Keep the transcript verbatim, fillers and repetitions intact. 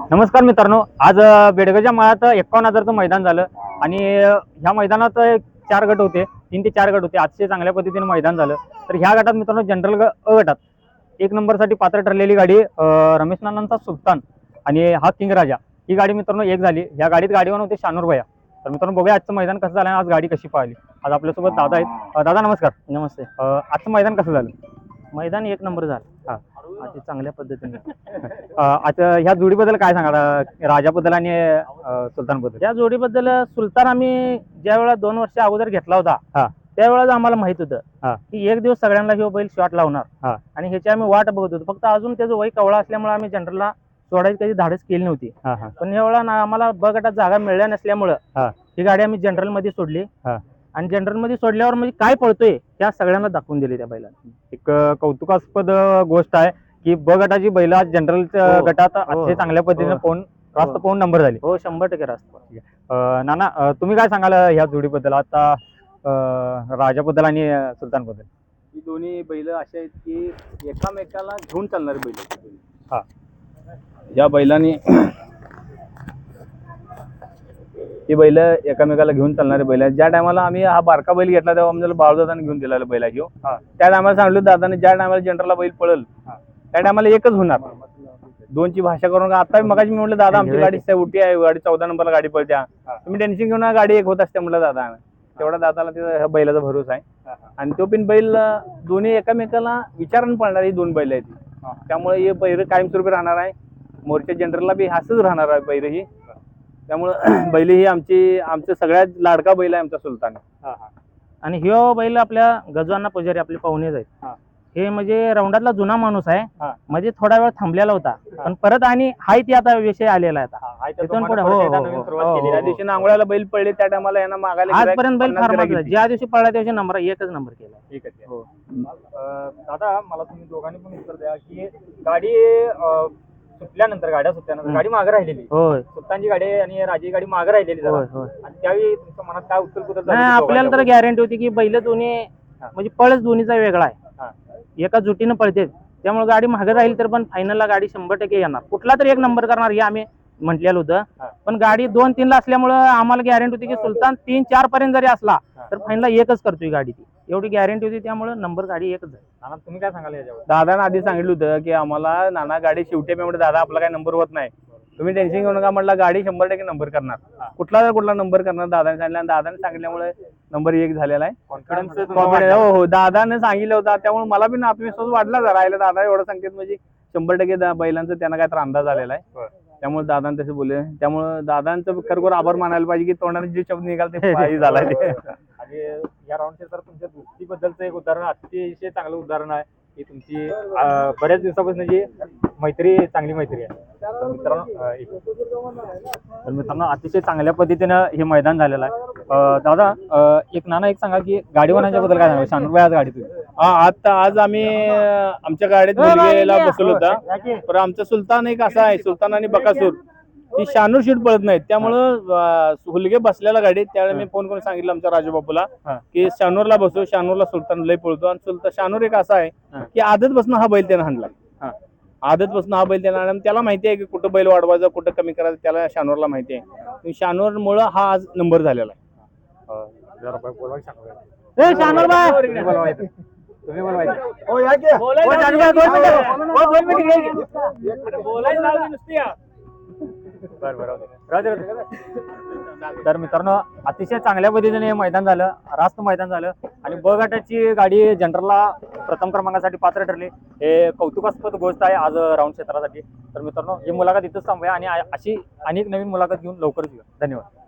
नमस्कार मित्रांनो, आज अ, बेडगच्या माळात एकावन्न हजारचं मैदान झालं आणि अ, ह्या मैदानात एक चार गट होते, तीन ते चार गट होते. अतिशय चांगल्या पद्धतीने मैदान झालं. तर ह्या गटात मित्रांनो जनरल ग अ गटात एक नंबरसाठी पात्र ठरलेली गाडी अ, रमेश नानांचा सुलतान आणि हा किंग राजा ही गाडी मित्रांनो एक झाली. ह्या गाडीत गाडीवर होते शानूर भैया. तर मित्रांनो बघूया आजचं मैदान कसं झालं आणि आज गाडी कशी पाहिली. आज आपल्यासोबत दादा आहेत. अ, दादा नमस्कार. नमस्ते. अ, आजचं मैदान कसं झालं? मैदान एक नंबर झालं. हा. अति चांगल्या पद्धतीने. अ, आता ह्या जोडीबद्दल काय सांगाल अ, राजाबद्दल आणि अ, सुलतानबद्दल? या जोडीबद्दल सुलतान आम्ही ज्या वेळा दोन वर्ष अगोदर घेतला होता हा. त्यावेळेस आम्हाला माहित होतं हा. की एक दिवस सगळ्यांना हे बैल शॉट लावणार हा. आणि ह्याची आम्ही वाट बघत होतो. फक्त अजून त्याचं वय कवळा असल्यामुळे आम्ही जनरलला सोडायची कधी धाडस केली नव्हती. हा हा पण यावेळेला ना आम्हाला ब गटात जागा मिळल्या नसल्यामुळं हा. ही गाडी आम्ही जनरल मध्ये सोडली हा. आणि जनरल मध्ये सोडल्यावर म्हणजे काय पळतोय त्या सगळ्यांना दाखवून दिले त्या बैलाला. एक अ, कौतुकास्पद अ, गोष्ट आहे की ब गटाची बैल आज जनरलच्या हो. गटात हो. अतिशय चांगल्या पद्धतीने हो. पोहून रास्त पोहून नंबर झाली. हो, शंभर टक्के रास्त. अ, नाना अ, तुम्ही काय सांगाल अ, ह्या जोडीबद्दल आता अ, राजाबद्दल आणि अ, सुलतानबद्दल? ही दोन्ही बैल असे आहेत की एकामेकाला घेऊन चालणारे बैल आहेत. हा. या बैलांनी ही बैल एकामेकाला घेऊन चालणारे बैल आहेत. ज्या टायमाला आम्ही हा बारका बैल घेतला तेव्हा आम्हाला बाळदादाने घेऊन दिलेला बैल आहे ह्यो. हा. त्या टायमाला सांगितलं दादाने ज्या टायमाला जनरलला बैल पळल त्या टायमाला एकच होणार. दोनची भाषा करून आता मगाशी मी म्हटलं दादा आमची गाडी उठी आहे, गाडी चौदा नंबरला गाडी पळत्या, तुम्ही टेन्शन घेऊन गाडी एक होत असते म्हटलं दादा. तेवढा दादाला त्या बैलाचा भरोसा आहे आणि तो पण बैल दोन्ही एकामेकाला विचारून पळणार ही दोन बैल आहेत. त्यामुळे हे बैल कायमस्वरूपी राहणार आहे. मोर्चा जनरलला बी हासच राहणार आहे बैल ही. त्यामुळं बैल ही आमची आमचं सगळ्यात लाडका बैल आहे आमचा सुलतान. आणि ह्यो बैल आपल्या गजवांना पुजारी आपले पाहुणेच आहेत. हे म्हणजे राऊंडातला जुना माणूस आहे. म्हणजे थोडा वेळ थांबलेला होता पण परत आणि हाय ती आता विषय आलेला आहे आता. तिथून पुढे हो, हो, हो, हो, हो. त्या दिवशी नांगोळ्याला बैल पडले त्या टायमाला यांना मागायला आजपर्यंत बैल फार मागला. ज्या दिवशी पडला त्या दिवशी नंबर एकच नंबर केला. एकच आहे. हो. अ, दादा मला तुम्ही दोघांनी पण उत्तर द्या की गाडी अ, सुटल्यानंतर गाड्या सुटल्यानंतर गाडी मागे राहिलेली, होय सुलतानची गाडी आणि राजी गाडी मागे राहिलेली जरा. होय होय. आणि त्यावेळी तुमच्या मनात काय उत्तर कुतर नाही, आपल्याला तर गॅरंटी होती की बैल दोन्ही म्हणजे पळच दोन्हीचा वेगळा आहे. एका जुटीनं पळते त्यामुळे गाडी मागे राहील तर पण फायनलला गाडी शंभर टक्के येणार. कुठला तरी एक नंबर करणार हे आम्ही म्हटलेलं होतं. पण गाडी दोन तीन ला असल्यामुळे आम्हाला गॅरंटी होती की सुलतान तीन चार पर्यंत जरी असला तर फायनलला एकच करतोय गाडी. ती एवढी गॅरंटी होती त्यामुळे नंबर गाडी एकच आहे. नाना तुम्ही काय सांगाल याच्यावर? दादाने आधी सांगितलं होतं की आम्हाला नाना गाडी शेवटी मी म्हटलं दादा आपला काही नंबर होत नाही, तुम्ही टेन्शन घेऊ नका म्हटलं, गाडी शंभर टक्के नंबर करणार. कुठला तर कुठला नंबर करणार दादाने सांगितलं आणि दादाने सांगितल्यामुळे नंबर एक झालेला आहे. कॉन्फिडन्स कॉन्फिडन्स हो हो दादाने सांगितलं होतं त्यामुळे मला पण आत्मविश्वास वाढला जरा. राहिला दादा एवढं सांगतात म्हणजे शंभर टक्के दा- बैलांचं त्यांना काय तर अंदाज आलेला आहे. त्यामुळे दादाने तसे बोलले. त्यामुळे दादांचं खरोखर आभार मानायला पाहिजे की तोंडाने जे शब्द निघाल ते पायी झाला ते. आणि या राऊंडचे तर तुमच्या दोस्तीबद्दलचं एक उदाहरण अतिशय चांगलं उदाहरण आहे की तुमची अ, बऱ्याच दिवसापासून जी मैत्री चांगली मैत्री आहे. तर मित्रांनो अ, एक- तर मित्रांनो अतिशय चांगल्या पद्धतीनं हे मैदान झालेलं आहे. अ, दादा अ, एक नाना एक सांगा की गाडीवानाच्या बद्दल काय सांगा? शानूरबाई आज गाडीत होती. हा आता आज आम्ही अं, आमच्या गाडीत मुलगीला बसवलं होता. पण आमचा सुलतान एक असा आहे, सुलतान आणि बकासूर ही शानूर शीट पळत नाहीत. त्यामुळं अं, हुलगे बसलेला गाडीत त्यावेळी मी फोन करून सांगितलं आमच्या राजूबापूला की शानूरला बसव. शानूरला सुलतान लय पळतो आणि सुलतान शानूर एक असा आहे की आदत बसणं हा बैल त्यानं हाणला. आदत बसणं हा बैल त्याला त्याला माहिती आहे की कुठं बैल वाढवायचं कुठं कमी करायचं त्याला शानूरला माहिती आहे. शानूर मुळे हा आज नंबर झालेला आहे. ए, शानूरबाई! तुम्ही बोलवायचं. तुम्ही बोलवायचं. बरं बरं राहू दे, राहू दे. तर मित्रांनो अतिशय चांगल्या पद्धतीने हे मैदान झालं, रास्त मैदान झालं आणि ब गटाची गाडी जनरलला प्रथम क्रमांकासाठी पात्र ठरली. हे कौतुकास्पद गोष्ट आहे आज राऊंड क्षेत्रासाठी. तर मित्रांनो ही मुलाखत इथंच थांबूया आणि अशी अनेक नवीन मुलाखत घेऊन लवकरच येऊ. धन्यवाद.